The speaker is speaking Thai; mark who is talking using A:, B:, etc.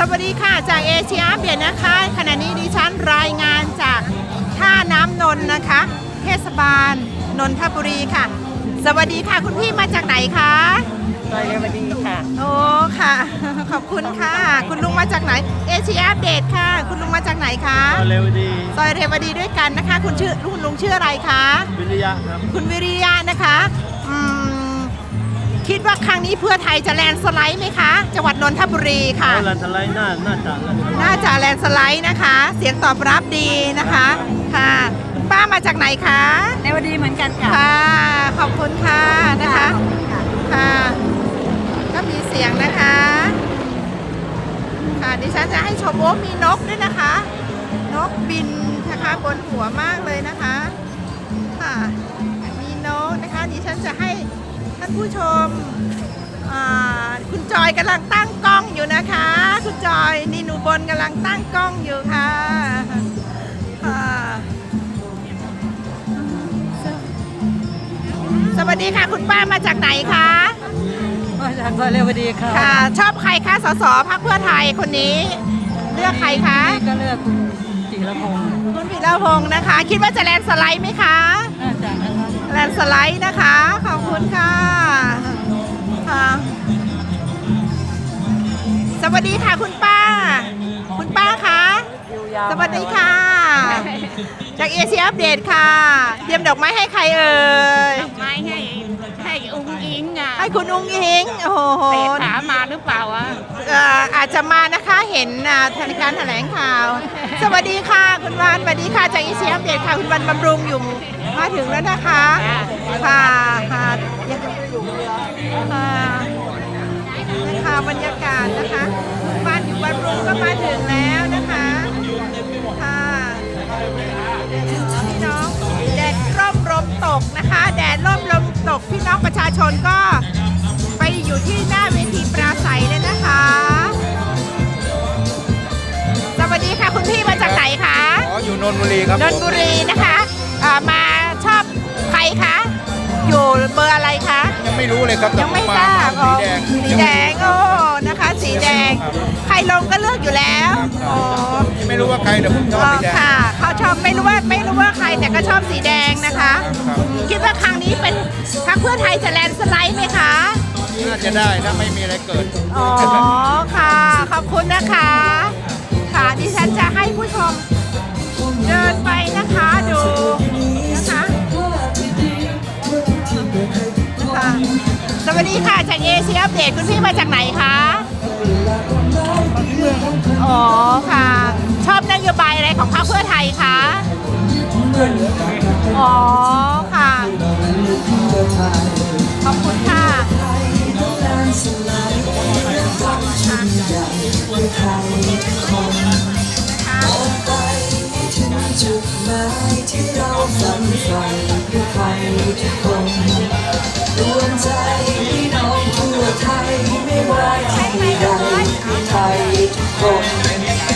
A: วัสดีค่ะจากเอเชียอัปเดตนะคะขณะนี้ดิฉันรายงานจากท่าน้ำนนท์นะคะเทศบาลนนทบุรีค่ะสวัสดีค่ะคุณพี่มาจากไหนคะ
B: ซอยเรวดีค่ะ
A: โอ้ค่ะขอบคุณค่ะคุณลุงมาจากไหนเอเชียอัปเดตค่ะคุณลุงมาจากไหนคะ
B: ซอยเรวดี
A: ซอยเรวดีด้วยกันนะคะคุณลุงชื่ออะไรคะ
B: วิริยะครับ
A: คุณวิริยะนะคะคิดว่าครั้งนี้เพื่อไทยจะแลนสไลด์ไหมคะจังหวัดนนทบุรีค่ะ
B: แลนสไลด์น่า
A: จะแลนสไลด์นะคะเสียงตอบรับดีนะคะค่ะคุณป้ามาจากไหนคะ
C: เรวดีเหมือนกันค่ะ
A: ค่ะขอบคุณค่ะนะคะค่ะก็มีเสียงนะคะค่ะดิฉันจะให้ชมว่ามีนกด้วยนะคะนกบินนะคะบนหัวมากเลยนะคะค่ะมีนกนะคะดิฉันจะให้ท่านผู้ชมคุณจอยกำลังตั้งกล้องอยู่นะคะคุณจอยนี่หนูบนกำลังตั้งกล้องอยู่ค่ะสวัสดีค่ะคุณป้ามาจากไหนคะ
C: มาจากซอยเรวดีค่ะ
A: ค่ะชอบใครคะสสพรรคเพื่อไทยคนนี้เลือกใครคะ
C: ก็เลือกคุณจิรพงศ์
A: คุณจิรพงศ์นะคะคิดว่าจะแลนสไลด์ไหมคะ
C: น่าจะนะคะ
A: แลนสไลด์นะคะขอบคุณค่ะสวัสดีค่ะคุณป้าคะสวัสดีค่ะจากเอเชียอัปเดตค่ะเตรียมดอกไม้ให้ใครเอ่ย
D: ดอกไม้ให้อุ้งอิงอ่ะ
A: ให้คุณอุ้งอิงโอ้โห
D: ถามมาหรือเปล่าอ่ะ
A: อาจจะมานะคะเห็นการแถลงข่าวสวัสดีค่ะคุณวันสวัสดีค่ะจากเอเชียอัปเดตค่ะคุณวันบำรุงอยู่มาถึงแล้วนะคะค่ะนะคะบรรยากาศนะคะบ้านอยู่บำรุงก็มาถึงแล้วนะคะค่ะพี่น้องแดดร่มลมตกนะคะแดดร่มลมตกพี่น้องประชาชนก็ไปอยู่ที่หน้าเวทีปราศัยเลยนะคะสวัสดีค่ะคุณพี่มาจากไหนคะ
E: อยู่นนทบุรีครับ
A: นนทบุรีนะคะมาชอบใครคะอยู่เบอร์อะไรคะ
E: ยังไม่รู้เลยครับ
A: ยังไม่ทราบสีแดงโอ้นะคะสีแดงใครลงก็เลือกอยู่แล้วโอ้
E: ไม่รู้ว่าใครแต่ผมชอบสีแดง
A: ค่ะเขาชอบไม่รู้ว่าใครแต่ก็ชอบสีแดงนะคะคิดว่าครั้งนี้เป็นพรรคเพื่อไทยจะแลนสไลด์ไหมคะ
E: น่าจะได้ถ้าไม่มีอะไรเกิด
A: อ๋อค่ะขอบคุณนะคะค่ะดิฉันจะให้ผู้ชมเดินไปนะคะดูนะคะสวัสดีค่ะจากเอเชียอัปเดตคุณพี่มาจากไหนคะอ๋อค่ะชอบนโยบายอะไรของพรรคเพื่อไทยคะอ๋อค่ะขอบคุณค่ะ
F: จุดหมายที่เราฝันใฝ่เพื่อใครทุกคนดวงใจพี่น้องทั่วไทยไม่ว่าที่ใดเพื่อไทยทุกคน